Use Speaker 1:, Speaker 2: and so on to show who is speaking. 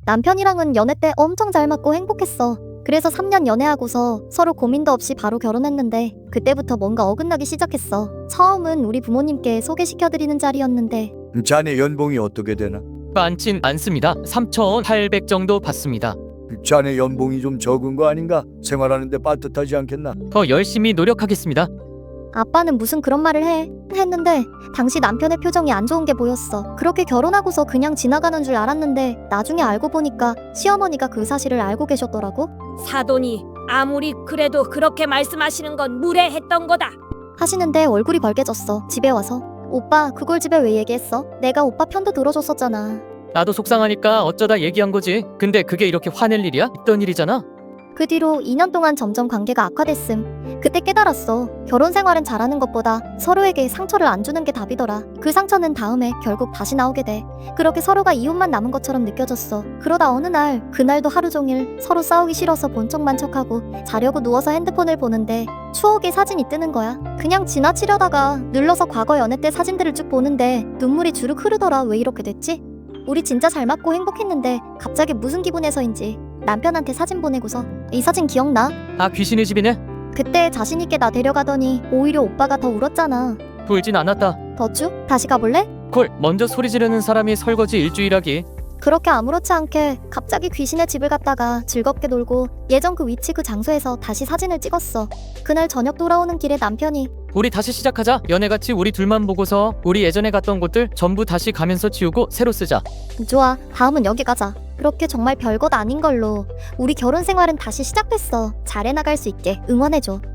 Speaker 1: 남편이랑은 연애 때 엄청 잘 맞고 행복했어. 그래서 3년 연애하고서 서로 고민도 없이 바로 결혼했는데 그때부터 뭔가 어긋나기 시작했어. 처음은 우리 부모님께 소개시켜드리는 자리였는데
Speaker 2: 자네 연봉이 어떻게 되나?
Speaker 3: 많진 않습니다. 3,800 정도 받습니다.
Speaker 2: 자네 연봉이 좀 적은 거 아닌가? 생활하는데 빠듯하지 않겠나?
Speaker 3: 더 열심히 노력하겠습니다.
Speaker 1: 아빠는 무슨 그런 말을 해? 했는데 당시 남편의 표정이 안 좋은 게 보였어. 그렇게 결혼하고서 그냥 지나가는 줄 알았는데 나중에 알고 보니까 시어머니가 그 사실을 알고 계셨더라고.
Speaker 4: 사돈이 아무리 그래도 그렇게 말씀하시는 건 무례했던 거다.
Speaker 1: 하시는데 얼굴이 벌개졌어. 집에 와서. 오빠 그걸 집에 왜 얘기했어? 내가 오빠 편도 들어줬었잖아.
Speaker 3: 나도 속상하니까 어쩌다 얘기한 거지. 근데 그게 이렇게 화낼 일이야? 있던 일이잖아.
Speaker 1: 그 뒤로 2년 동안 점점 관계가 악화됐음. 그때 깨달았어. 결혼 생활은 잘하는 것보다 서로에게 상처를 안 주는 게 답이더라. 그 상처는 다음에 결국 다시 나오게 돼. 그렇게 서로가 이웃만 남은 것처럼 느껴졌어. 그러다 어느 날, 그날도 하루 종일 서로 싸우기 싫어서 본 척만 척하고 자려고 누워서 핸드폰을 보는데 추억의 사진이 뜨는 거야. 그냥 지나치려다가 눌러서 과거 연애 때 사진들을 쭉 보는데 눈물이 주르륵 흐르더라. 왜 이렇게 됐지? 우리 진짜 잘 맞고 행복했는데 갑자기 무슨 기분에서인지 남편한테 사진 보내고서 이 사진 기억나?
Speaker 3: 아, 귀신의 집이네?
Speaker 1: 그때 자신있게 나 데려가더니 오히려 오빠가 더 울었잖아.
Speaker 3: 울진 않았다.
Speaker 1: 더쭈? 다시 가볼래?
Speaker 3: 콜, 먼저 소리 지르는 사람이 설거지 일주일하기.
Speaker 1: 그렇게 아무렇지 않게 갑자기 귀신의 집을 갔다가 즐겁게 놀고 예전 그 위치 그 장소에서 다시 사진을 찍었어. 그날 저녁 돌아오는 길에 남편이
Speaker 3: 우리 다시 시작하자. 연애같이 우리 둘만 보고서 우리 예전에 갔던 곳들 전부 다시 가면서 지우고 새로 쓰자.
Speaker 1: 좋아, 다음은 여기 가자. 그렇게 정말 별것 아닌 걸로 우리 결혼 생활은 다시 시작됐어. 잘 해나갈 수 있게 응원해줘.